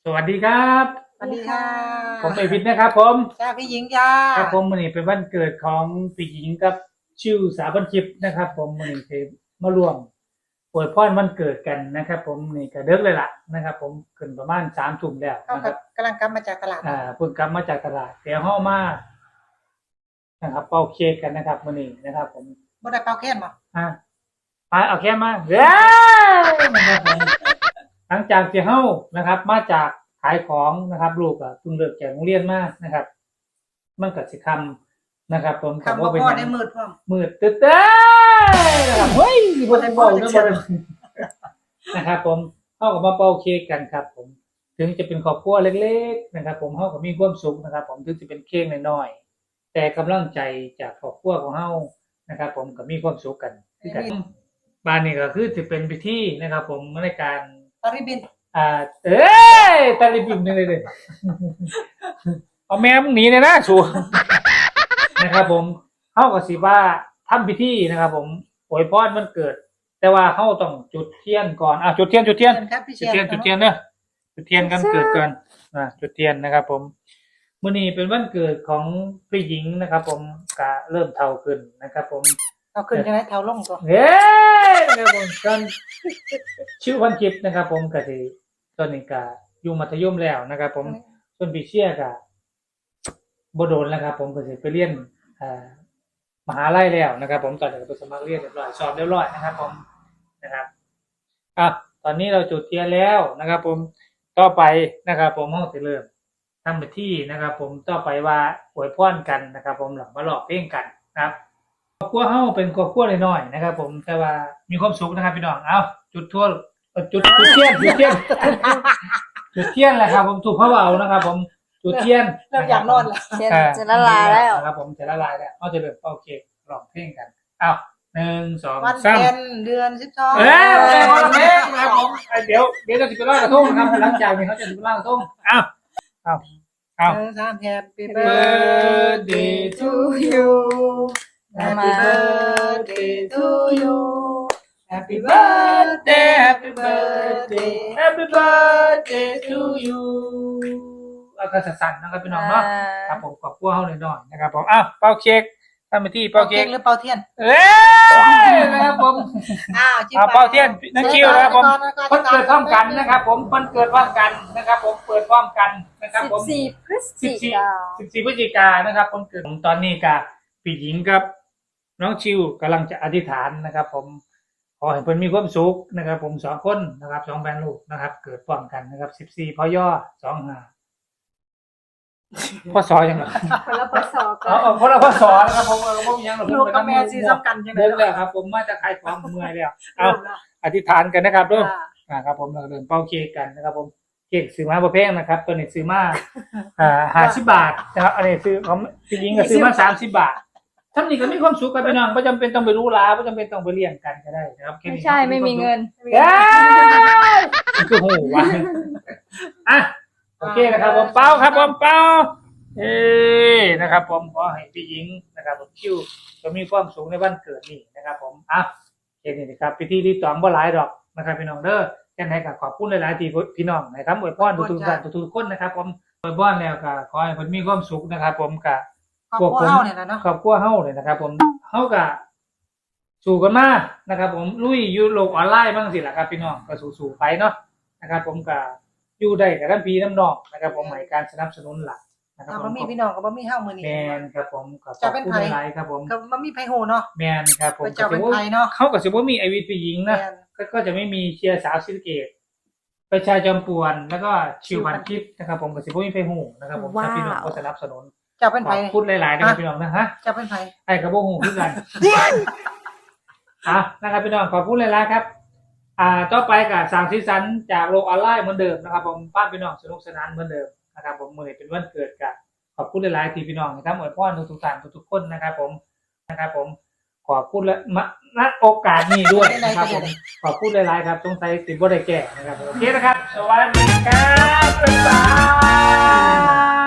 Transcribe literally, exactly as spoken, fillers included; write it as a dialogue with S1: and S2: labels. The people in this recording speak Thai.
S1: สวัสดีครับ
S2: สวัสดีค่ะ
S1: ผมเอพินนะครับผม
S2: จ้าพี่หญิงจ้า
S1: ครับผมวันนี้เป็นวันเกิดของพี่หญิงกับชิวสาบันชิปนะครับผมวันนี้คือมารวมอวยพรวันเกิดกันนะครับผมนี่ก็เดึกเลยล่ะนะครับผมขึ้นประมาณสามทุ่มแล้ว
S2: เขา
S1: นะครับ
S2: กำลังกลับมาจากตลาด
S1: อ่าเพิ่งกลับมาจากตลาดเดี๋ยวห้อมานะครับเป่าเค้กกันนะครับวันนี้นะครับผม
S2: บ่ได้เป่าแค้นบ่
S1: อ่าไปเอาแค่มาเย้นะครับผมหลังจากที่เฮานะครับมาจากขายของนะครับลูกอ่ะเพิ่งเลิกจากโรงเรียนมานะครับมันก็สิคำนะครับผม
S2: คำว่าพ่อได้มืดพร้อม
S1: มืดตึ๊ดเต้นะครับเฮ้ยบ่ได้บอกนะบ่ได้นะครับผมเฮาก็มาเป่าเค้กกันครับผมถึงจะเป็นครอบครัวเล็กๆนะครับผมเฮาก็มีความสุขนะครับผมถึงจะเป็นเค้กน้อยๆแต่กำลังใจจากครอบครัวของเฮานะครับผมก็มีความสุขกันคือกันบ้านนี้ก็คือจะเป็นพิธีนะครับผมในการ
S2: ตาริบิน
S1: อ่าเอ้ยตาลิบิมนี่เลยเลยเอาแม่มึงหนีเลยนะชัวนะครับผมเฮาก็สิว่าทำพิธีนะครับผมอวยพรวันเกิดแต่ว่าเฮาต้องจุดเทียนก่อนอ่ะจุดเทียนจุดเทียนจุดเทียนจุดเทียนเด้อจุดเทียนกันเกิดก่อนอ่ะจุดเทียนนะครับผมมื้อนี้เป็นวันเกิดของผู้หญิงนะครับผมก็เริ่มเฒ่าขึ้นนะครับผม
S2: เอาขึ้นจังได๋เฒ่าลงตัว
S1: เฮ้ยนะครับผมตอนชื่อวันคลิปนะครับผมก็สิตอนนี้ก็อยู่มัธยมแล้วนะครับผมส่วนพี่เชียก็บ่โดนแล้วครับผมก็สิไปเรียนอ่ามหาลัยแล้วนะครับผมตอนนี้ก็ไปสมัครเรียนเรียบร้อยสอบเรียบร้อยนะครับผมนะครับอ่ะตอนนี้เราจุดเทียนแล้วนะครับผมต่อไปนะครับผมเฮาสิเริ่มทำพิธีนะครับผมต่อไปว่าอวยพรกันนะครับผมหลังมาร้องเพลงกันนะครับครอบครัวเฮาเป็นครอบครัวน้อยๆนะครับผมแต่ว่ามีความสุขนะครับพี่น้องเอ้าจุดทั่วจุดจุดเทียนจุดเทียนจุดเทียนแหละครับผมถูกเขาเอานะครับผมจุดเทียน
S2: เริ่มอยากนอนแล้ว
S3: เทียนจะละลายแล้ว
S1: นะครับผมจะละลายแล้วเราจะเริ่มเป่าเค้กร้องเพลงกันเอ้าหนึ่งสอง
S2: วัน
S1: สาม
S2: เพ็ญเดือนสิบสอง
S1: เอ้ยวันเพลงนะครับผมเดี๋ยวเดี๋ยวจะสิไปลอยกระทงนะครับหลังจากนี้เขาจะสิไปลอยกระทงเอ้าเอ้าเอ้า
S2: หนึ่งสาม Happy
S1: birthday to you
S2: Happy birthday to you
S1: Happy birthday Happy birthday Happy birthday to you เอากระสั่นๆนะครับพี่น้องเนาะครับผมขอบคุณเฮาหน่อยๆนะครับผมอ้าวเป่าเค้กทำพิธีเป่าเค้ก
S2: หรือเป่าเทียน
S1: เอ้ยนะครับผม
S2: อ้าวจิ้ม
S1: เป่าเทียนนักคิวนะครับผมเพิ่นเกิดพร้อมกันนะครับผมเพิ่นเกิดพร้อมกันนะครับผมเปิดพร้อมกันนะครับผม
S3: สิบสี่พฤศจิกายน
S1: สิบสี่พฤศจิกายนนะครับคนเกิดตอนนี้กับพี่หญิงกับน้องชิวกำลังจะอธิษฐานนะครับผมขอให้เพิ่นมีความสุขนะครับผมสองคนนะครับสองแฟนลูกนะครับเกิดพร้อมกันนะครับสิบสี่พอย่อสองห้าพ่อสอยังไง
S3: คนละพศกั
S1: อ๋อคนละพ่อสอนะครับผมก็บ่มีหยังหรอก
S2: ลูกกับแม่สิสำคัญจังได๋
S1: เดินแล้วครับผมมาจากขายของเมื่อยแล้วเอาอธิษฐานกันนะครับเด้ออ่าครับผมเราเดินเป่าเค้กกันนะครับผมเค้กซื้อมาบ่แพงนะครับตัวนี้ซื้อมาอ่าห้าสิบบาทนะครับอันนี้ซื้อของพี่หญิงก็ซื้อมาสามสิบบาททำนี่ก็มีความสุขกันพี่น้องบ่จำเป็นต้องไปรู้ลาบ่จำเป็นต้องไปเลี้ยงกันก็ได้นะครับ
S3: ไม่ใช่ไม่มีเงิน
S1: เอ้ยคือโหว่ะอ่ะโอเคนะครับผมเป่าครับผมเป่าเอ้นะครับผมขอให้พี่หญิงนะครับผมคิวจะมีความสุขในวันเกิดนี่นะครับผมอ่ะแค่นี้นะครับพิธีที่สองบ่หลายดอกนะครับพี่น้องเด้อแค่ไหนก็ขอบคุณหลายๆที่พี่น้องนะครับอวยพรทุกๆท่านทุกๆคนนะครับผมอวยพรแล้วก็ขอให้เพิ่นมีความสุขนะครับผมก็
S2: ครอบครัวเฮาเนี่ยนะเนาะ
S1: ครอบครัวเฮาเนี่ยนะครับผมเฮาก็สู้กันมานะครับผมลุยอยู่โลกออนไลน์บ้างสิล่ะครับพี่น้องก็สู้ๆไปเนาะนะครับผมก็อยู่ได้กับท่านพี่น้ำน้องนะครับผมให้การสนับสนุนหลัก
S2: นะครับบ่มีพี่น้องก็บ่มีเฮามื้อนี้
S1: แม่นครับผมก็ขอบคุณหลายครับผม
S2: ก็บ่มีไผฮู้เนาะ
S1: แม่นครับผม
S2: จะเป็นไผเนาะ
S1: เขาก็สิบ่มีไอวิทย์ผู้หญิงนะก็จะไม่มีเชียร์สาวศรีสะเกษประชาจอมปวนแล้วก็ชิวพันทิพย์นะครับผมก็สิบ่มีไผฮู้นะครับผมถ้าพี่น้องก็สนับสนุน
S2: จะเป็นไผ
S1: พูดหลายๆนะครับพี่น้องนะฮะ
S2: จะเป็นไผ
S1: ไอ้ก็บ่ฮู้คือกันอ่ะนะครับพี่น้องขอบคุณหลายๆครับอ่าต่อไปก็สร้างสีสันจากโลกออนไลน์เหมือนเดิมนะครับผมป้าพี่น้องสนุกสนานเหมือนเดิมนะครับผมมื้อนี้เป็นวันเกิดกันขอบคุณหลายๆที่พี่น้องนะครับอวยพรทุกๆท่านทุกๆคนนะครับผมนะครับผมขอบคุณและณโอกาสนี้ด้วยนะครับผมขอบคุณหลายๆครับสงสัยสิบ่ได้แก้นะครับโอเคนะครับสวัสดีครับบ๊ายบาย